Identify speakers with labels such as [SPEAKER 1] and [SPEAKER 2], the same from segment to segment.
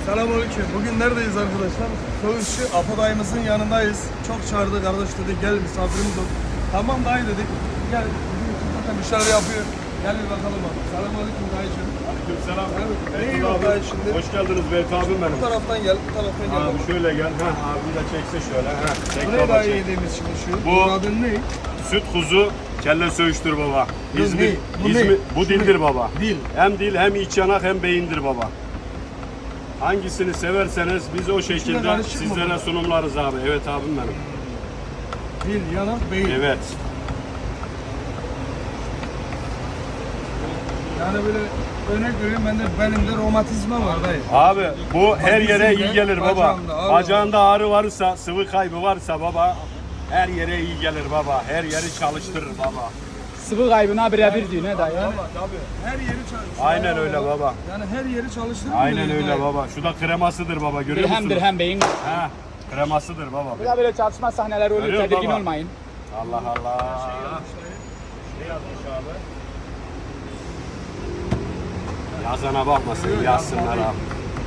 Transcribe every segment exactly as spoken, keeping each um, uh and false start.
[SPEAKER 1] Selamünaleyküm. Bugün neredeyiz arkadaşlar? Söğüşçü Apo dayımızın yanındayız. Çok çağırdı, kardeş dedi gel misafirimiz ol. Tamam dayı dedik. Gel. Bizim için zaten bir şeyler yapıyor. Gel bir bakalım abi. Selamünaleyküm dayıcığım.
[SPEAKER 2] Aleykümselam.
[SPEAKER 1] Ne iyi oldu dayı şimdi?
[SPEAKER 2] Hoş geldiniz Beyt abim benim.
[SPEAKER 1] Bu taraftan gel, bu taraftan gel.
[SPEAKER 2] Abi şöyle gel. Heh, abi de çekse şöyle. Heh, çek
[SPEAKER 1] Bu ne
[SPEAKER 2] baba,
[SPEAKER 1] dayı
[SPEAKER 2] çek.
[SPEAKER 1] yediğimiz şimdi şu?
[SPEAKER 2] Bu-
[SPEAKER 1] Bunun adı ne?
[SPEAKER 2] Süt kuzu kelle söğüştür baba.
[SPEAKER 1] Bu
[SPEAKER 2] İzmir,
[SPEAKER 1] ne? Bu
[SPEAKER 2] İzmir,
[SPEAKER 1] ne?
[SPEAKER 2] bu
[SPEAKER 1] Şu
[SPEAKER 2] dildir
[SPEAKER 1] ne?
[SPEAKER 2] baba.
[SPEAKER 1] Dil.
[SPEAKER 2] Hem dil hem iç yanak hem beyindir baba. Hangisini severseniz biz o şekilde
[SPEAKER 1] karışık mı
[SPEAKER 2] sizlere
[SPEAKER 1] bu?
[SPEAKER 2] sunumlarız abi. Evet abim benim.
[SPEAKER 1] Dil, yanak, beyin.
[SPEAKER 2] Evet.
[SPEAKER 1] Yani böyle örnek veriyorum bende benim de romatizma var dayı.
[SPEAKER 2] Abi bu her yere
[SPEAKER 1] dizinde,
[SPEAKER 2] iyi gelir baba.
[SPEAKER 1] bacağında ağrı
[SPEAKER 2] Bacağında ağrı varsa, sıvı kaybı varsa baba her yere iyi gelir baba. Her yeri çalıştırır baba.
[SPEAKER 3] Sıvı kaybına birebir diyor ne dayı?
[SPEAKER 1] Yani, tabii. Her yeri çalıştırır.
[SPEAKER 2] Aynen öyle baba.
[SPEAKER 1] Yani her yeri çalıştırır.
[SPEAKER 2] Aynen
[SPEAKER 1] mı
[SPEAKER 2] öyle
[SPEAKER 1] dayı?
[SPEAKER 2] baba. Şu da kremasıdır baba. Görüyor
[SPEAKER 3] Dirhem
[SPEAKER 2] musunuz?
[SPEAKER 3] dirhem beyin.
[SPEAKER 2] Ha, kremasıdır baba.
[SPEAKER 3] Burada böyle çalışma sahneleri oluyor,
[SPEAKER 2] Görüyor
[SPEAKER 3] tedirgin
[SPEAKER 2] baba.
[SPEAKER 3] olmayın.
[SPEAKER 2] Allah Allah. Ne yazmış abi? Yazana bakmasın,
[SPEAKER 1] Yok,
[SPEAKER 2] yazsınlar
[SPEAKER 1] yazma
[SPEAKER 2] abi.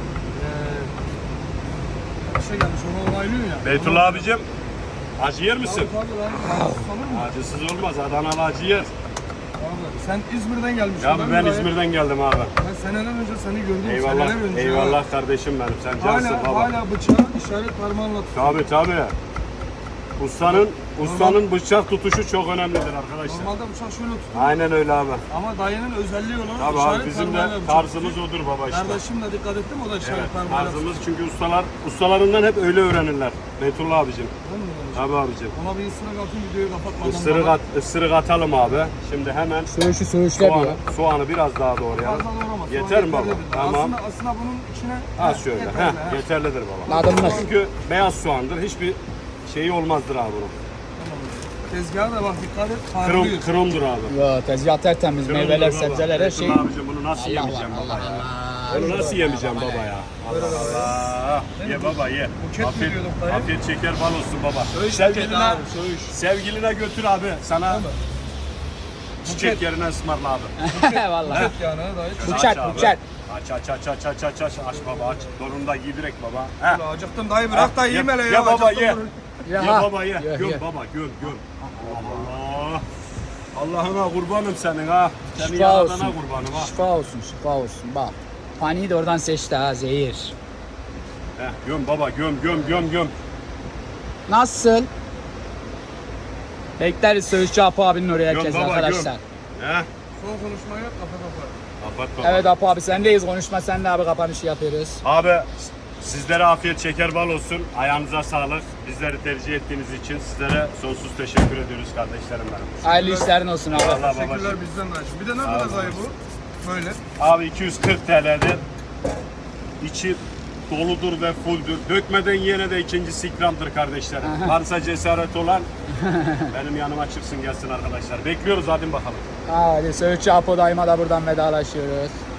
[SPEAKER 1] Bir şey gelmiş onu onaylıyor ya.
[SPEAKER 2] Beytullah abicim, acı yer
[SPEAKER 1] Tabii
[SPEAKER 2] misin?
[SPEAKER 1] tabii lan. Sanır mı?
[SPEAKER 2] Acısız olmaz, Adanalı acı yer.
[SPEAKER 1] Abi, sen İzmir'den gelmişsin.
[SPEAKER 2] Ya
[SPEAKER 1] değil
[SPEAKER 2] ben
[SPEAKER 1] mi dayı?
[SPEAKER 2] İzmir'den geldim abi.
[SPEAKER 1] Ben seneler önce seni gördüm.
[SPEAKER 2] Eyvallah,
[SPEAKER 1] seneler önce.
[SPEAKER 2] eyvallah kardeşim benim. Sen cansın
[SPEAKER 1] Hala,
[SPEAKER 2] baba.
[SPEAKER 1] hala bıçağı işaret parmağınla tutuyor.
[SPEAKER 2] Tabii tabii. Ustanın, ustanın bıçak tutuşu çok önemlidir arkadaşlar.
[SPEAKER 1] Normalde bıçak şöyle tutuyor.
[SPEAKER 2] Aynen öyle abi.
[SPEAKER 1] Ama dayının özelliği olarak
[SPEAKER 2] Tabii
[SPEAKER 1] işaret
[SPEAKER 2] abi bizim de
[SPEAKER 1] parmağıyla bıçak
[SPEAKER 2] tarzımız
[SPEAKER 1] tutuyor.
[SPEAKER 2] odur baba işte.
[SPEAKER 1] Kardeşim de dikkat ettim o da işaret
[SPEAKER 2] Evet,
[SPEAKER 1] parmağıyla
[SPEAKER 2] tarzımız çünkü ustalar, ustalarından hep öyle öğrenirler. Beytullah abicim.
[SPEAKER 1] tutuyor.
[SPEAKER 2] Tabii abicim.
[SPEAKER 1] Ona bir ısırık atın videoyu kapatmadan.
[SPEAKER 2] Isırık, at, ısırık atalım abi. Şimdi hemen
[SPEAKER 3] Söğüşü söğüşler
[SPEAKER 2] soğanı,
[SPEAKER 3] diyor.
[SPEAKER 2] soğanı biraz daha doğrayalım.
[SPEAKER 1] Fazla doğramaz.
[SPEAKER 2] Yeter mi baba?
[SPEAKER 1] Yeterlidir.
[SPEAKER 2] Tamam.
[SPEAKER 1] Aslında, aslında bunun içine
[SPEAKER 2] Az şöyle.
[SPEAKER 1] yeterli,
[SPEAKER 2] Heh,
[SPEAKER 1] he.
[SPEAKER 2] yeterlidir baba.
[SPEAKER 3] Ladımlar.
[SPEAKER 2] Çünkü beyaz soğandır. Hiçbir şeyi olmazdır abi bunun.
[SPEAKER 1] Tezgaha da bak dikkat et.
[SPEAKER 2] Krom,
[SPEAKER 1] Parlıyor.
[SPEAKER 2] kromdur abi.
[SPEAKER 3] Ya tezgah tertemiz,
[SPEAKER 2] Kromdur
[SPEAKER 3] meyveler,
[SPEAKER 2] baba.
[SPEAKER 3] sebzeler her şey.
[SPEAKER 2] Beytullah abicim bunu nasıl
[SPEAKER 3] Allah
[SPEAKER 2] yemeyeceğim
[SPEAKER 3] var,
[SPEAKER 2] baba
[SPEAKER 3] Allah
[SPEAKER 2] ya?
[SPEAKER 3] Allah.
[SPEAKER 2] Bunu nasıl yemeyeceğim baba ya? Allah Allah. Ye baba ye.
[SPEAKER 1] Buket mi
[SPEAKER 2] Afiyet,
[SPEAKER 1] diyorduk dayı?
[SPEAKER 2] afiyet şeker bal olsun baba.
[SPEAKER 1] Söğüş
[SPEAKER 2] Sevgiline,
[SPEAKER 1] buket abi, söğüş.
[SPEAKER 2] sevgiline götür abi. Sana çiçek yerine ısmarla abi.
[SPEAKER 3] Vallahi.
[SPEAKER 1] Buket yani dayı.
[SPEAKER 3] Bıçak,
[SPEAKER 2] Aç abi.
[SPEAKER 3] bıçak.
[SPEAKER 2] Aç aç aç aç aç aç aç aç baba aç. Donunda giy direkt baba. He.
[SPEAKER 1] Ulan acıktım dayı bırak da
[SPEAKER 2] Ha,
[SPEAKER 1] yiyeyim
[SPEAKER 2] ye-
[SPEAKER 1] hele ya.
[SPEAKER 2] ye baba,
[SPEAKER 1] acıktım
[SPEAKER 2] ye.
[SPEAKER 1] bunu.
[SPEAKER 2] Ye
[SPEAKER 3] Ya,
[SPEAKER 2] baba ye.
[SPEAKER 3] ye,
[SPEAKER 2] Göm
[SPEAKER 3] ye.
[SPEAKER 2] baba göm göm. Allah. Allah'ına kurbanım senin ha. Senin
[SPEAKER 3] Şifa
[SPEAKER 2] yaradana
[SPEAKER 3] olsun.
[SPEAKER 2] kurbanım ha.
[SPEAKER 3] Şifa olsun, şifa olsun. Bak. Paniği de oradan seçti ha, zehir.
[SPEAKER 2] He, göm baba göm göm göm göm.
[SPEAKER 3] Nasıl? Bekleriz Söğüşçü Apo abinin oraya
[SPEAKER 2] Göm
[SPEAKER 3] herkes
[SPEAKER 2] baba,
[SPEAKER 3] arkadaşlar.
[SPEAKER 2] göm. He.
[SPEAKER 1] Son konuşmayı yap kafa kafa.
[SPEAKER 2] Kapat baba.
[SPEAKER 3] Evet Apo abi sendeyiz, konuşma sen de abi, kapanışı yapıyoruz.
[SPEAKER 2] Abi sizlere afiyet şeker bal olsun. Ayağınıza sağlık. Bizleri tercih ettiğiniz için sizlere sonsuz teşekkür ediyoruz kardeşlerim benim.
[SPEAKER 3] Hayırlı işlerin olsun abi.
[SPEAKER 2] Allah
[SPEAKER 1] Teşekkürler
[SPEAKER 2] babacığım.
[SPEAKER 1] bizden dayı. Bir de ne kadar dayı bu? Böyle.
[SPEAKER 2] Abi iki yüz kırk T L'dir. İçi doludur ve fulldür. Dökmeden yine de ikincisi ikramdır kardeşlerim. Varsa cesaret olan benim yanıma çıksın gelsin arkadaşlar. Bekliyoruz hadi bakalım.
[SPEAKER 3] Hadi Söğüşçü Apo dayıma da buradan vedalaşıyoruz.